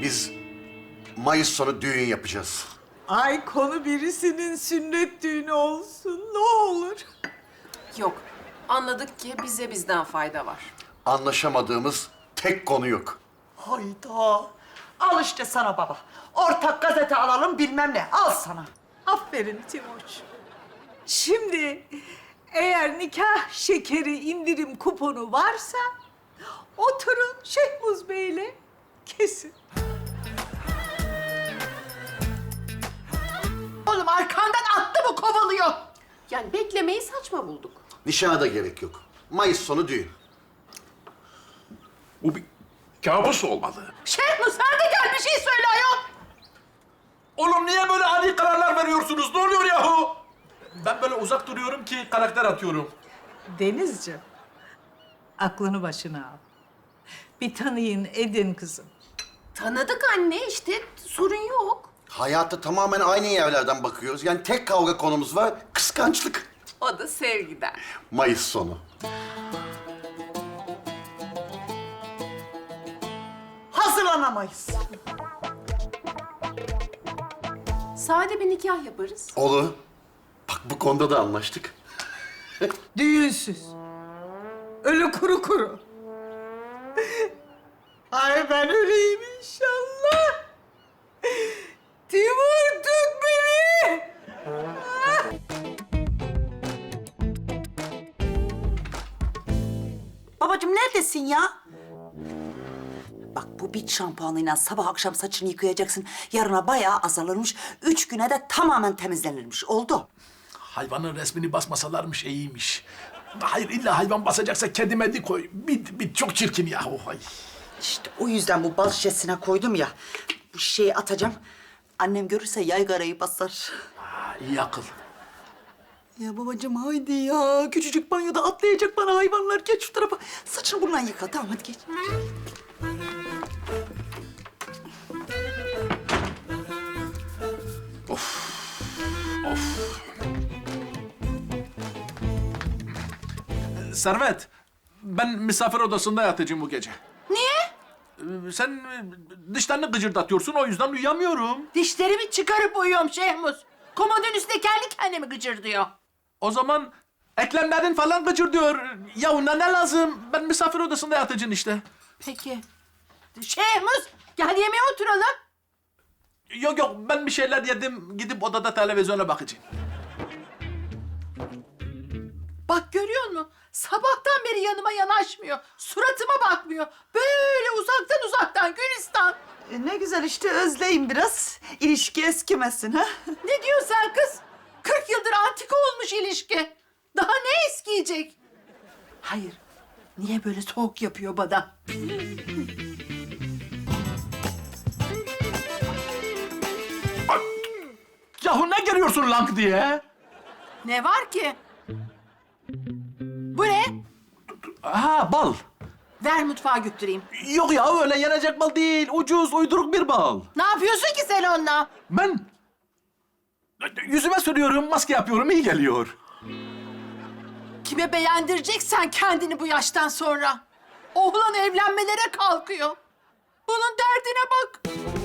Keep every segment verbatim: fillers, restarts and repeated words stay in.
Biz Mayıs sonu düğün yapacağız. Ay konu birisinin sünnet düğünü olsun ne olur. Yok. Anladık ki bize bizden fayda var. Anlaşamadığımız tek konu yok. Hayda. Al işte sana baba. Ortak gazete alalım bilmem ne. Al sana. Aferin Timoç. Şimdi eğer nikah şekeri indirim kuponu varsa oturun Şehmuz Bey'le kesin. Oğlum arkandan attı mı kovalıyor? Yani beklemeyi saçma bulduk. Nişana da gerek yok. Mayıs sonu düğün. Bu bir kabus olmalı. Şehmuz sen de gel bir şey söyle ayol. Oğlum niye böyle ani kararlar veriyorsunuz? Ne oluyor yahu? Ben böyle uzak duruyorum ki karakter atıyorum. Denizciğim, aklını başına al. Bir tanıyın edin kızım. Tanıdık anne işte sorun yok. Hayata tamamen aynı yerlerden bakıyoruz. Yani tek kavga konumuz var, kıskançlık. O da sevgiden. Mayıs sonu. Hazırlanamayız. Sade bir nikah yaparız. Olur. Bak bu konuda da anlaştık. Düğünsüz. Ölü kuru kuru. Ay ben öleyim inşallah. Timur tut beni. Babacığım neredesin ya? Bak bu bit şampuanıyla sabah akşam saçını yıkayacaksın. Yarına bayağı azalırmış. Üç güne de tamamen temizlenirmiş. Oldu. Hayvanın resmini basmasalarmış iyiymiş. Hayır illa hayvan basacaksa kedi medi koy. Bit, bit çok çirkin yahu. Ay. İşte o yüzden bu bal şişesine koydum ya. Bu şişeyi atacağım. Annem görürse yaygarayı basar. Ha, iyi akıl. Ya babacığım haydi ya. Küçücük banyoda atlayacak bana hayvanlar. Geç şu tarafa. Saçını bununla yıka. Tamam hadi geç. Servet, ben misafir odasında yatacağım bu gece. Niye? Sen e, dişlerini gıcırdatıyorsun, o yüzden uyuyamıyorum. Dişlerimi çıkarıp uyuyorum Şehmuz. Komodun üstünde kendi kendime gıcırdıyor. O zaman eklemlerin falan gıcırdıyor. Ya ona ne lazım? Ben misafir odasında yatacağım işte. Peki. Şehmuz gel yemeğe oturalım. Yok yok, ben bir şeyler yedim. Gidip odada televizyona bakacağım. Bak görüyor musun? Sabahtan beri yanıma yanaşmıyor. Suratıma bakmıyor. Böyle uzaktan uzaktan Gülistan. E, ne güzel işte özleyin biraz. İlişki eskimesin ha. Ne diyorsun sen kız? Kırk yıldır antika olmuş ilişki. Daha ne eskiyecek? Hayır. Niye böyle soğuk yapıyor bana? Yahu ne geliyorsun lank diye? Ne var ki? Bu ne? Ha, bal. Ver mutfağa götüreyim. Yok ya, öyle yenecek bal değil. Ucuz, uyduruk bir bal. Ne yapıyorsun ki sen onunla? Ben yüzüme sürüyorum, maske yapıyorum, iyi geliyor. Kime beğendireceksen kendini bu yaştan sonra. Oğlan evlenmelere kalkıyor. Bunun derdine bak.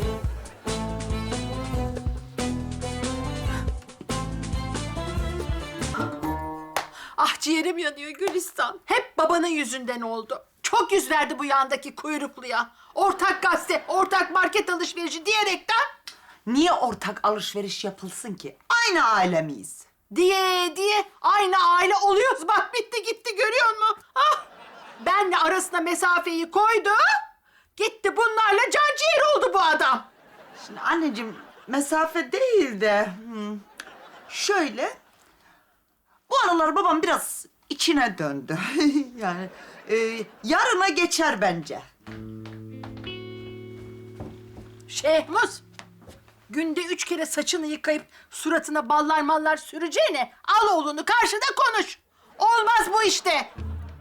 Ah ciğerim yanıyor Gülistan. Hep babanın yüzünden oldu. Çok yüz verdi bu yandaki kuyrukluya. Ortak gazete, ortak market alışverişi diyerekten... Niye ortak alışveriş yapılsın ki? Aynı aile miyiz? Diye diye aynı aile oluyoruz. Bak bitti gitti görüyor musun? Ah! Benle arasına mesafeyi koydu. Gitti bunlarla can ciğer oldu bu adam. Şimdi anneciğim mesafe değil de hmm, şöyle bu aralar babam biraz içine döndü. yani e, yarına geçer bence. Şehmuz, günde üç kere saçını yıkayıp suratına ballar mallar süreceğine al oğlunu karşıda konuş. Olmaz bu işte.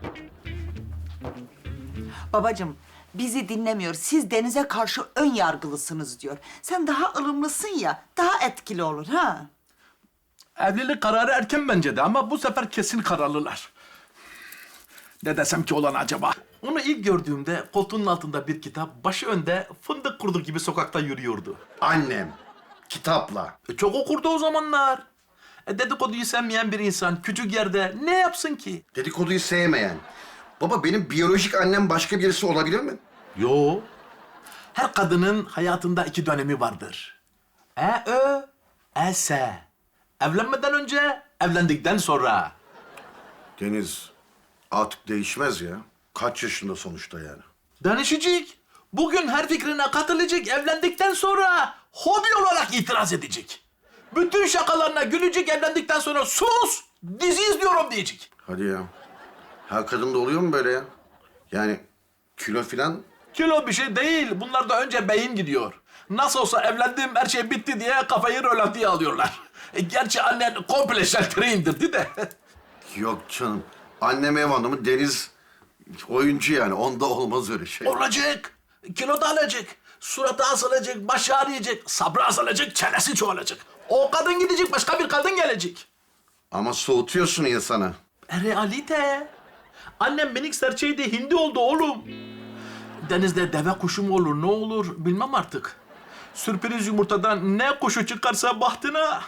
Babacığım bizi dinlemiyor. Siz Deniz'e karşı ön yargılısınız diyor. Sen daha ılımlısın ya, daha etkili olur ha. Evlilik kararı erken bence de ama bu sefer kesin kararlılar. Ne desem ki olan acaba? Onu ilk gördüğümde koltuğunun altında bir kitap, başı önde fındık kurdu gibi sokakta yürüyordu. Annem. Kitapla. E, çok okurdu o zamanlar. E, dedikoduyu sevmeyen bir insan küçük yerde ne yapsın ki? Dedikoduyu sevmeyen. Baba benim biyolojik annem başka birisi olabilir mi? Yo. Her kadının hayatında iki dönemi vardır. E ö, e s. Evlenmeden önce, evlendikten sonra. Deniz artık değişmez ya. Kaç yaşında sonuçta yani. Danışacak. Bugün her fikrine katılacak, evlendikten sonra hobi olarak itiraz edecek. Bütün şakalarına gülecek, evlendikten sonra sus, dizi izliyorum diyecek. Hadi ya. Her kadında oluyor mu böyle ya? Yani kilo filan. Kilo bir şey değil, bunlarda önce beyin gidiyor. Nasıl olsa evlendim, her şey bitti diye kafayı rölantiye alıyorlar. E, gerçi annen komple şalteri indirdi de. Yok canım. Annem ev hanımı, Deniz oyuncu yani. Onda olmaz öyle şey. Olacak, kilo da alacak, suratı asılacak, başı ağrıyacak, sabrı azalacak, çenesi çoğalacak. O kadın gidecek, başka bir kadın gelecek. Ama soğutuyorsun insanı. E, realite. Annem minik serçeydi, hindi oldu oğlum. Denizde deve kuşu mu olur, ne olur bilmem artık. Sürpriz yumurtadan ne kuşu çıkarsa bahtına.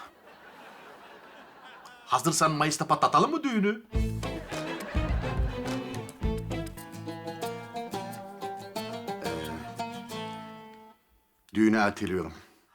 Hazırsan Mayıs'ta patlatalım mı düğünü? Düğünü erteliyorum.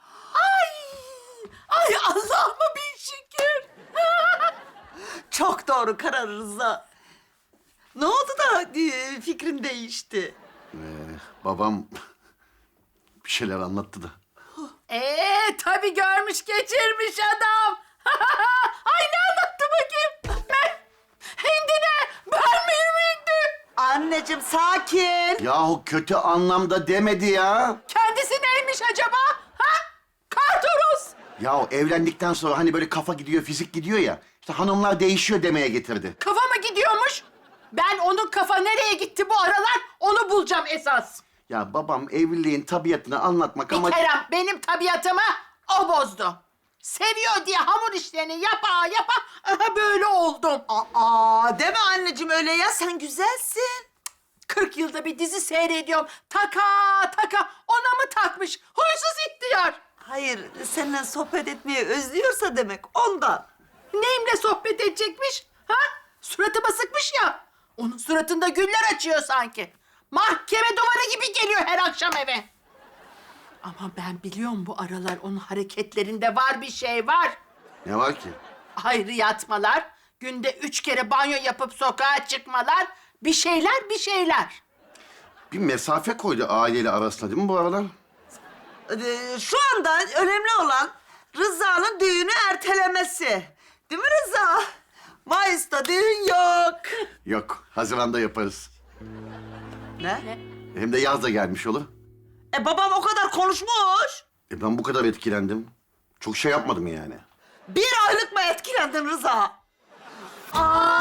Ay Allah'ıma bin şükür. Çok doğru karar Rıza. Ne oldu da e, fikrin değişti? Ee, babam bir şeyler anlattı da. Ee tabii görmüş geçirmiş adam. Ay ne anlattı bakayım? Ben hindine ben miyim hindi? Anneciğim sakin. Yahu kötü anlamda demedi ya. Kendisi neymiş acaba? Ha? Kartoros. Yahu evlendikten sonra hani böyle kafa gidiyor, fizik gidiyor ya. İşte hanımlar değişiyor demeye getirdi. Kafa mı gidiyormuş? Ben onun kafa nereye gitti bu aralar onu bulacağım esas. Ya babam evliliğin tabiatını anlatmak Bir ama... Kerem benim tabiatımı o bozdu. Seviyor diye hamur işlerini yapa yapa aha böyle oldum. Aa deme anneciğim öyle ya, sen güzelsin. kırk yılda bir dizi seyrediyorum. Taka taka ona mı takmış? Huysuz ihtiyar. Hayır, seninle sohbet etmeyi özlüyorsa demek ondan. Neyimle sohbet edecekmiş? Ha? Suratıma sıkmış ya. Onun suratında güller açıyor sanki. Mahkeme duvarı gibi geliyor her akşam eve. Ama ben biliyorum bu aralar onun hareketlerinde var bir şey var. Ne var ki? Ayrı yatmalar, günde üç kere banyo yapıp sokağa çıkmalar, bir şeyler bir şeyler. Bir mesafe koydu aileyle arasında değil mi bu aralar? Ee, şu anda önemli olan Rıza'nın düğünü ertelemesi. Değil mi Rıza? Mayıs'ta düğün yok. Yok, Haziran'da yaparız. Ne? Hem de yaz da gelmiş olur. E babam o kadar konuşmuş. E ben bu kadar etkilendim. Çok şey yapmadım yani. Bir aylık mı etkilendin Rıza? Aa!